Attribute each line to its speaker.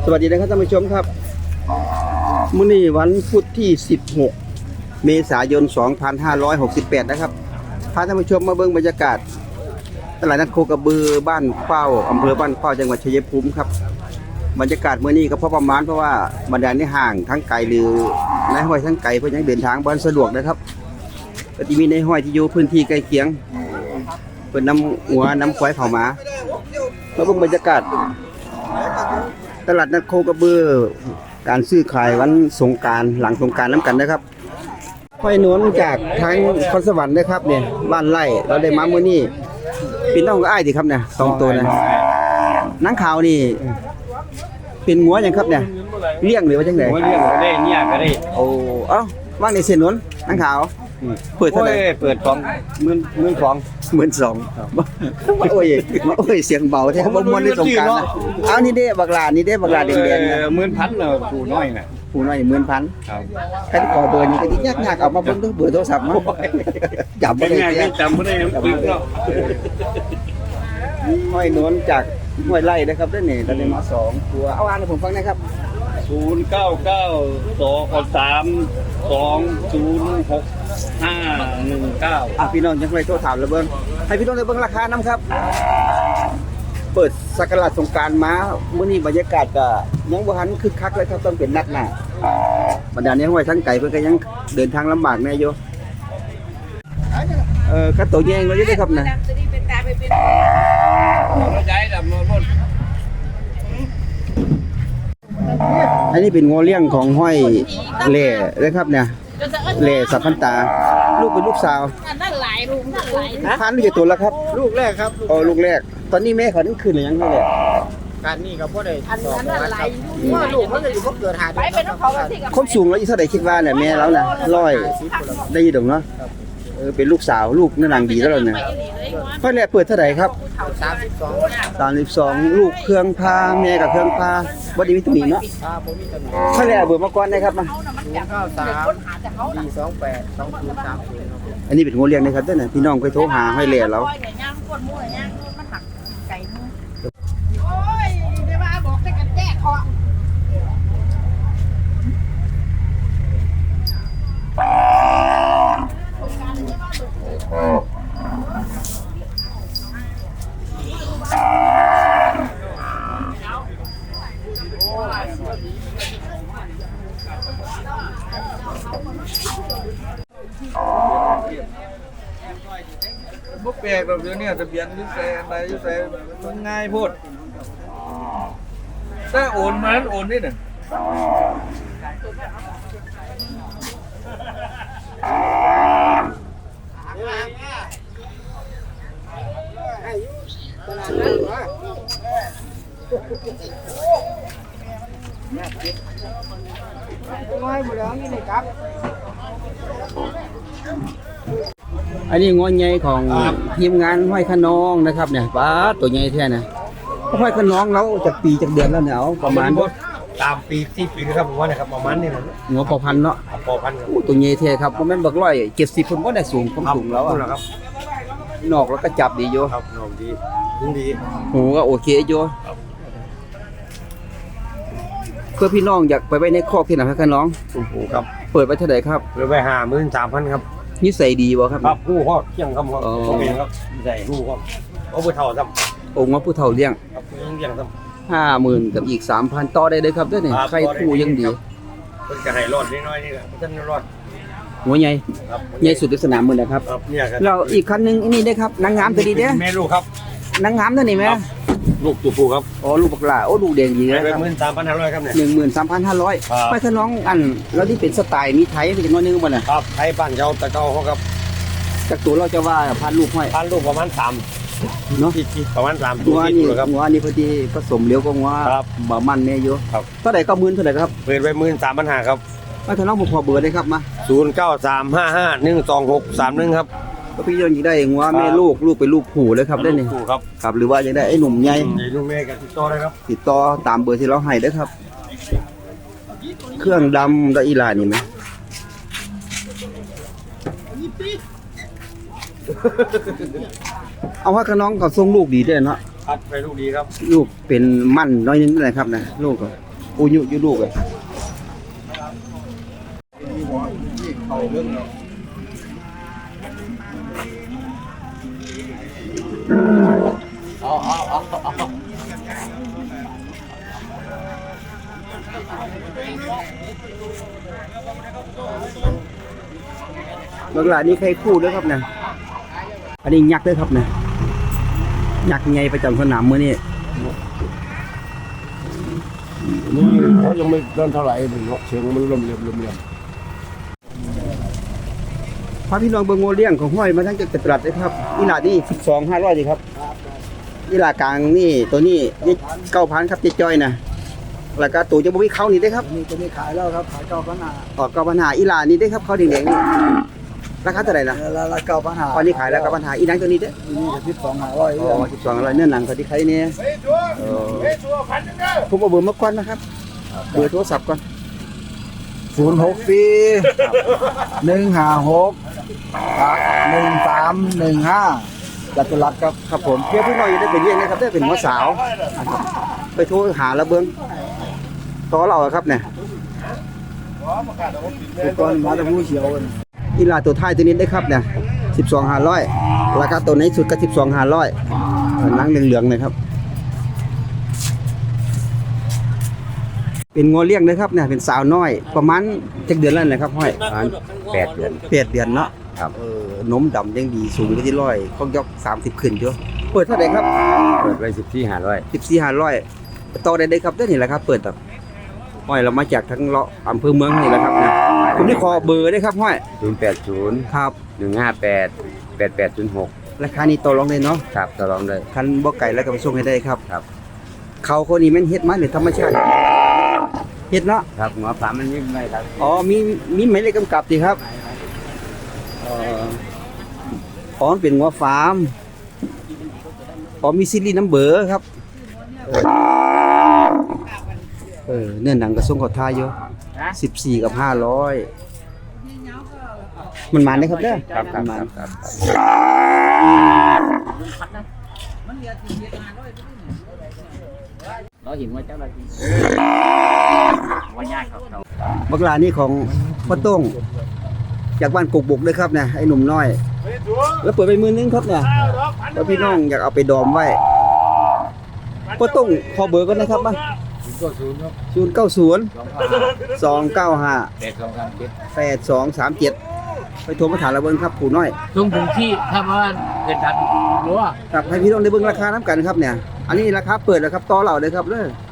Speaker 1: สวัสดีนะครับท่านผู้ชมครับมื้อนี้วันพุธที่16เมษายน2568นะครับพาท่านผู้ชมมาเบิ่งบรรยากาศตลาดนัดโคกระบือบ้านเป้าอำเภอบ้านเป้าจังหวัดชัยภูมิครับบรรยากาศมื้อนี้ก็พอประมาณเพราะว่าบรรดาในห้างทั้งไกลหรือในห้อยทั้งไกลเพิ่นยังเดินทางบ่สะดวกนะครับก็สิมีในห้อยที่อยู่พื้นที่ใกล้เคียงเพิ่นนำหัวนำควายเข้ามาเบิ่งบรรยากาศตลาดนัดโคกระบือการซื้อขายวันสงกรานต์หลังสงกรานต์น้ำกันนะครับห้อยนวลจากทางคอนสวรรค์นะครับเนี่ยบ้านไร่เราได้มามื้อนี้เป็นน้องอ้ายดิครับเนี่ย2ตัวนะนางขาวนี่เป็นงัวหยังครับเนี่ยเลี้ยงหรือว่าจังได๋
Speaker 2: เลี้ยงก็ได้เนี่ยก็ได้
Speaker 1: โอ้เอ้าว่างในเส้นนวลนางขาวเปิดเท่าไหร่
Speaker 2: เปิด12,000
Speaker 1: โอ้ยเสียงเบาแท้บ่ม่วนในสงกรานต์นะเอานี่เด้บักหลาแดงๆนะ
Speaker 2: 10,000น่ะผู้น้อยน่ะ
Speaker 1: ผู้น้อย 10,000
Speaker 2: ครับ
Speaker 1: ใครที่ขอเบอร์นี้ก็สิยากๆเอามาเบิ่งเบอร์โทรศัพท์มาจับบ่ได้
Speaker 2: จำบ่ได้ปึ๊กเนาะ
Speaker 1: ห้อยนวลจากห้วยไร่นะครับด้านนี้เราได้มา2ตัวเอาอ่านให้ผมฟังนะครับ
Speaker 2: 0992065519
Speaker 1: พี่น้องยังไงโทรถามแล้วเบิ่งให้พี่น้องได้เบิ่งราคานำครับเปิดสักราชสงกรานต์มามื้อนี้บรรยากาศก็ยังบ่ทันคึกคักเลยครับต้องเป็นนัดหน้าบรรดานี้ห้วยทั้งไก่เพิ่นก็ยังเดินทางลำบากแน่อยู่กระโตแยงเราอยู่เด้ครับนะอันนี้เป็นงัวเลี้ยงของห้อยเล่นะครับเนี่ยเล่สับพันตาลูกเป็นลูกสาว
Speaker 3: นั่นหลายลูกนั่นหลาย
Speaker 1: ทานลูกกี่ตัวแล้วครับ
Speaker 2: ลูกแรกครับ
Speaker 1: ลูกแรกตอนนี้แม่เขานั่นคืนหรือยังไงเนี่ย
Speaker 2: การนี่ก็บ่ได้
Speaker 3: อันนั้นหลาย
Speaker 2: ลูกมันจะอยู่บ่เกิด5เดือน
Speaker 3: ไปเป็นของเขาสิกับ
Speaker 1: คนสูงแล้วอีเท่าใดคิดว่าเนี่ยแม่แล้วน่ะ100ได้ยินดอกเนาะเป็นลูกสาวลูกนั่นนางดีแล้วเนี่ยค่อยแรกเปิดเท่าไหร่ครับ32ลูกเครื่องพาแม่กับเครื่องพาบ่ได้มีตำหนิเนาะค่อยแรกเบอร์มาก่อนนะครับมาอันนี้เป็นงัวเลี้ยงนะครับเด้อน่ะพี่น้องไปโทรหาห้อยแหล่แล้ว
Speaker 3: โอ้ยเดี๋ยวมาบอกให้กันแจ้ขอ
Speaker 2: บ่แปลกแบบนี้ทะเบียนอยู่ใส่อะไรอยู่ใส่มันง่ายโพดถ้าโอนมาโอนนี่น่ะ
Speaker 1: อันนี้งัวใหญ่ของทีมงานห้อยขนองนะครับเนี่ยป้าตัวใหญ่แท้นะห้อยขนองเราจากปีจากเดือนแล้วเนี่ยประมาณ
Speaker 2: ตามปีที่ปีครับผมว่านะครับประมาณนี้นะ
Speaker 1: งัวปอพันเนาะ
Speaker 2: ปอพันครับ
Speaker 1: ตัวใหญ่แท้ครับบ่แม่นบัก170เพิ่นบ่ได้สูงความสูงแล้ว
Speaker 2: ครับ
Speaker 1: นอกแล้วก็จับดีอยู่
Speaker 2: ครับนอกดี
Speaker 1: หูก็โอเคอยู่เพื่อพี่น้องอยากไปไว้ในคอกที่ไหนครับน้อง
Speaker 2: โอ้โหครับ
Speaker 1: เปิดไว้เท่าไหร่ครับ
Speaker 2: เปิดไว้53,000ครับ
Speaker 1: นิสัยดีบ่ครับ
Speaker 2: ครับฮู้ฮอดเที่ยงครับโอเคครับใส่ฮู้ครับเอาผู้เฒ่าซ้
Speaker 1: ำองค์ว่าผู้เฒ่าเลี้ยง
Speaker 2: ครับเลี้ยงซ้
Speaker 1: ำ50,000กับอีก 3,000 ต่อได้เลยครับเด้อนี่ใครคู่ยังดี
Speaker 2: เพิ่นก็ให้รอดน้อยๆนี่แหละท่านรอด
Speaker 1: หัวใหญ่ใหญ่สุดในสนามมื้อนะครับ
Speaker 2: เนี่ยครับ
Speaker 1: เราอีกคันนึงนี่เด้ครับนางงามตัวดีเด้อ
Speaker 2: แม่ลูกครับ
Speaker 1: นางงามตัวนี้แม่
Speaker 2: ลูกตัวผู้ครับ
Speaker 1: ลูกบักหลาลูกแดงดีเลย
Speaker 2: ครับ 13,500 ครับเนี่ย
Speaker 1: 13,500ไปถ้าน้องอันแล้วที่เป็นสไตล์มีไทยเป็นจังนึงบ่น่ะ
Speaker 2: ครับไทยบ้านเจ้าตะเกาเขาครับ
Speaker 1: จากตัวเราจะว่าพันลูกห้อย
Speaker 2: พันลูกประมาณ3เนาะที่ประมาณ3
Speaker 1: ตัวนี่ครับงัวนี่พอดีผสมเลี้ยวก็งัวบ่มันแม่อยู่
Speaker 2: ครับ
Speaker 1: เท่าใดก็10,000เท่าใดครับ
Speaker 2: เปิดไว้ 13,500 ครับ
Speaker 1: ไปถ้าน้องผมขอเบอร์ได้ครับมา
Speaker 2: 0935512631ครับ
Speaker 1: ก็พี่ยังได้งัวแม่ลูกเป็นลูกผู้เลยครับได้นี่ครับหรือว่ายังได้ไอ้หนุ่มใหญ่
Speaker 2: ลูกแม่ก็ติดต่อได้ครับ
Speaker 1: ติดต่อตามเบอร์ที่เราให้เด้อครับเครื่องดำได้อีหลานี่มั้ยเอาว่ากับน้องก็ส่งลูกดีด้วยเนาะ
Speaker 2: ครับไปลูกดีครับ
Speaker 1: ลูกเป็นมั่นน้อยนึงได้ครับนะลูกก็อุยุอยู่ลูกเลยบางหลานนี่ใครคู่ด้วยครับเนี่ยอันนี้ยักษ์ด้วยครับเนี่ยยักษ์ไงประจำสนามมื้อนี้
Speaker 4: นี่เขายังไม่นั่นเท่าไหร่เสียงมันลมเรียม
Speaker 1: พาพี่น้องเบิ่งโงเลี้ยงของห้อยมาทั้งจากตลาดเลยครับอีหลานี่12,500ดีครับอีหลากลางนี่ตัวนี้9,000ครับเจ๊จ้อยนะแล้วก็ตัวจะบ่มีเขานี่ได้ครับ
Speaker 2: นี่ตัวนี้ขายแล้วครับขาย9,500
Speaker 1: ออก9,500อีหลานี่ได้ครับเขาแดงๆนี่ราคาเท่าไหร่นะ
Speaker 2: แล้ว9,500
Speaker 1: ตอนนี้ขายแล้ว9,500อีหนังตัวนี้เด้อ
Speaker 2: นี่จะ12,500
Speaker 1: อ๋อ12,500เนื้อหนังเขาที่ใครเนี่ยผมเอาเบอร์มาก่อนนะครับเบอร์โทรศัพท์ก่อน
Speaker 2: 064 156 1315จัตุรัสครับ
Speaker 1: ครับผมเพื่อพี่น้องจะได้ไปเลี้ยงนะครับได้เป็นหัวสาวนะครับไปโทรหาแล้วเบิ่งต่อเราอะครับเนี่ย
Speaker 2: ทุกคนมาตะพูเขียวกัน
Speaker 1: อีหลาตัวท้ายตัวนี้ได้ครับเนี่ย12,500ราคาตัวไหนสุดก็12,500หนังเหลืองๆเลยครับเป็นงัวเลี้ยงนะครับเนี่ยเป็นสาวน้อยประมาณจักเดือนแล้วนะครับห้อย
Speaker 4: 8 เดือน
Speaker 1: 8 เดือนเนาะ
Speaker 4: ครับ
Speaker 1: นมดำยังดีสูงไปที่100ข้องยก30ขึ้นอยู่เปิดเท่าไหร่ครับ
Speaker 4: เปิดไว้14,500
Speaker 1: 14,500ต่อได้ครับเด้อนี่แหละครับเปิดต่อห้อยเรามาจากทั้งเลาะอำเภอเมืองนี่แหละครับเนี่ยผมได้ขอเบอร์ได้ครับห้อย
Speaker 4: 080
Speaker 1: ครับ
Speaker 4: 158 8806
Speaker 1: ราคานี้ต่อรองเลยเนาะ
Speaker 4: ครับต่อรองเลย
Speaker 1: คันบ่ไก่แล้วก็ไปส่งให้ได้ครับ
Speaker 4: ครับ
Speaker 1: เขาคนนี้แม่นเฮ็ดมาหรือธรรมชาติเฮ็ดเนาะ
Speaker 4: ครับหัวปลามันยิ่งไม่ครับ
Speaker 1: อ๋อมีหมายเลขกำกับสิครับอ๋อมันเป็นงัวฟาร์มอ๋อมีซีรีส์นัมเบอร์ครับเนื้อหนังก็ส่งเขาทายอยู่14กับ500มันมาได้ครับเด้อ
Speaker 4: ครับ
Speaker 1: มัน
Speaker 4: เราเห็นว่าเจ้าหน้าที่ว่ายากครับเขา
Speaker 1: บักลานี่ของพ่อต้งจากบ้านกกบกด้วยครับเนี่ยไอ้หนุ่มน้อย แล้วเปิดไปมือนึงครับเนี่ยแล้วพี่น้องอยากเอาไปดอมไว้พ่อต้งขอเบอร์ก่อนนะครับมา
Speaker 4: 090ครับ
Speaker 1: 090 295 8237ไปโทรมาถามเราเบิ่งครับผู้น้อย
Speaker 4: ตรงที่ถ้าว่าเกินทันรู้ว่า
Speaker 1: ครับให้พี่น้องได้เบิ่งราคาน้ำกันครับเนี่ยอันนี้ราคาเปิดแล้วครับต่อเราเลยครับเด้อ